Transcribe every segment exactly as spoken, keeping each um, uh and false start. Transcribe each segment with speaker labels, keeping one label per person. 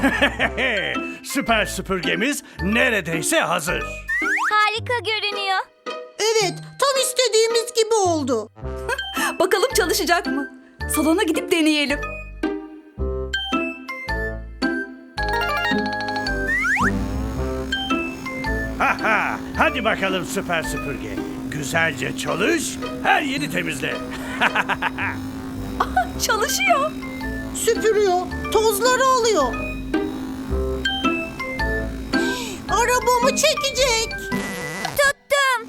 Speaker 1: Süper süpürgemiz neredeyse hazır.
Speaker 2: Harika görünüyor.
Speaker 3: Evet, tam istediğimiz gibi oldu.
Speaker 4: Bakalım çalışacak mı? Salona gidip deneyelim.
Speaker 1: Haha, hadi bakalım süper süpürge. Güzelce çalış, her yeri temizle.
Speaker 4: Çalışıyor.
Speaker 3: Süpürüyor, tozları alıyor. Arabamı çekecek.
Speaker 2: Tuttum.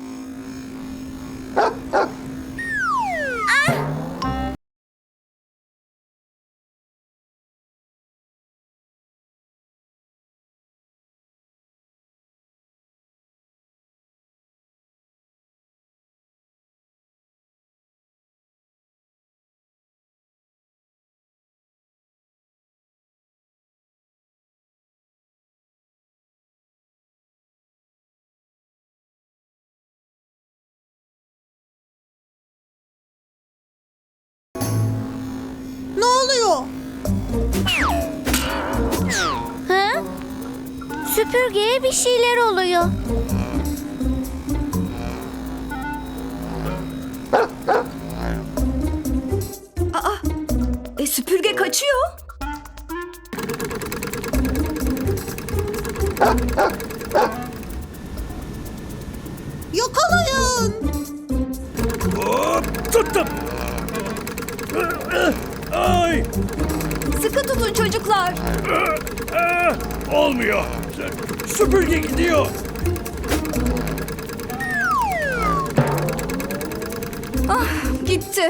Speaker 3: Ne oluyor?
Speaker 2: Ha? Süpürgeye bir şeyler oluyor.
Speaker 4: Aa, e, süpürge kaçıyor.
Speaker 3: Yakalayın.
Speaker 1: Hop, tuttum. Ay,
Speaker 4: Sıkı tutun çocuklar.
Speaker 1: olmuyor. Süpürge gidiyor.
Speaker 4: Gitti.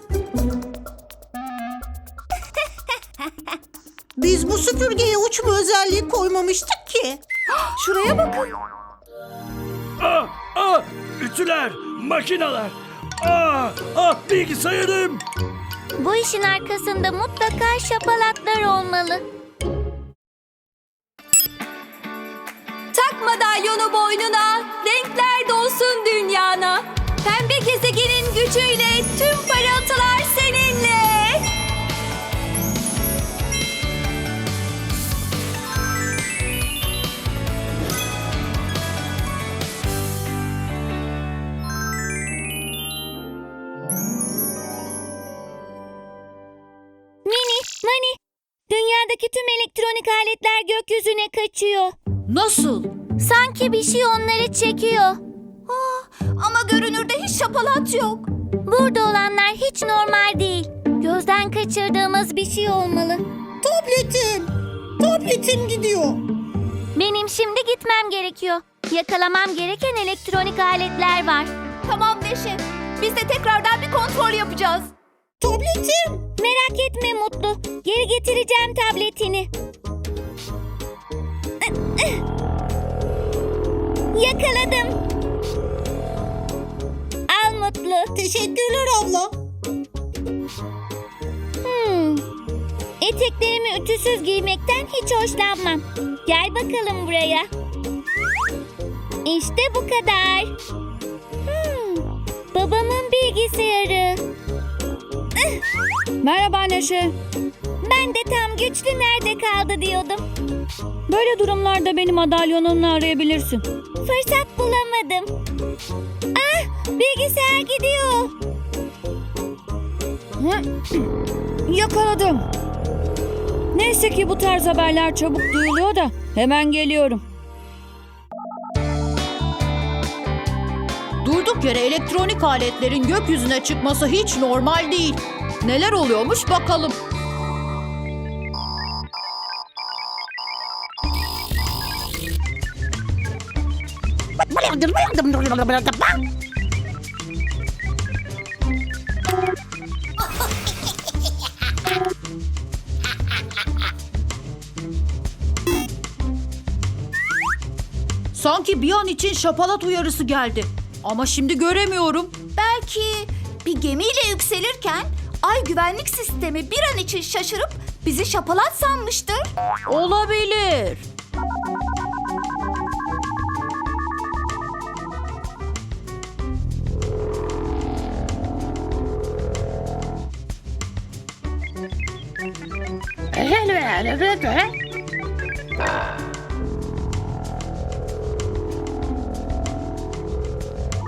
Speaker 3: Biz bu süpürgeye uçma özelliği koymamıştık ki.
Speaker 4: Şuraya bakın.
Speaker 1: Ah, ah, ütüler, makineler. Ah, ah, bilgisayarım.
Speaker 2: Bu işin arkasında mutlaka şapalatlar olmalı.
Speaker 4: Tak madalyonu boynuna, renkler dolsun dünyana. Pembe gezegenin gücüyle tüm parıltılar seninle.
Speaker 2: Mini, Mani, dünyadaki tüm elektronik aletler gökyüzüne kaçıyor.
Speaker 4: Nasıl?
Speaker 2: Sanki bir şey onları çekiyor.
Speaker 4: Ama görünürde hiç şapalat yok.
Speaker 2: Burada olanlar hiç normal değil. Gözden kaçırdığımız bir şey olmalı.
Speaker 3: Tabletim. Tabletim gidiyor.
Speaker 2: Benim şimdi gitmem gerekiyor. Yakalamam gereken elektronik aletler var.
Speaker 4: Tamam Neşe. Biz de tekrardan bir kontrol yapacağız.
Speaker 3: Tabletim.
Speaker 2: Merak etme Mutlu. Geri getireceğim tabletini. Yakaladım. Al Mutlu.
Speaker 3: Teşekkürler abla.
Speaker 2: Hmm. Eteklerimi ütüsüz giymekten hiç hoşlanmam. Gel bakalım buraya. İşte bu kadar. Hmm. Babamın bilgisayarı.
Speaker 4: Merhaba Neşe.
Speaker 2: Ben de tam güçlü nerede kaldı diyordum.
Speaker 4: Böyle durumlarda beni madalyonunla arayabilirsin.
Speaker 2: Fırsat bulamadım. Ah, bilgisayar gidiyor.
Speaker 4: Yakaladım. Neyse ki bu tarz haberler çabuk duyuluyor da hemen geliyorum.
Speaker 5: Durduk yere elektronik aletlerin gökyüzüne çıkması hiç normal değil. Neler oluyormuş bakalım. Sanki bir an için şapalat uyarısı geldi. Ama şimdi göremiyorum.
Speaker 6: Belki bir gemiyle yükselirken ay güvenlik sistemi bir an için şaşırıp bizi şapalat sanmıştır.
Speaker 5: Olabilir.
Speaker 7: Ha.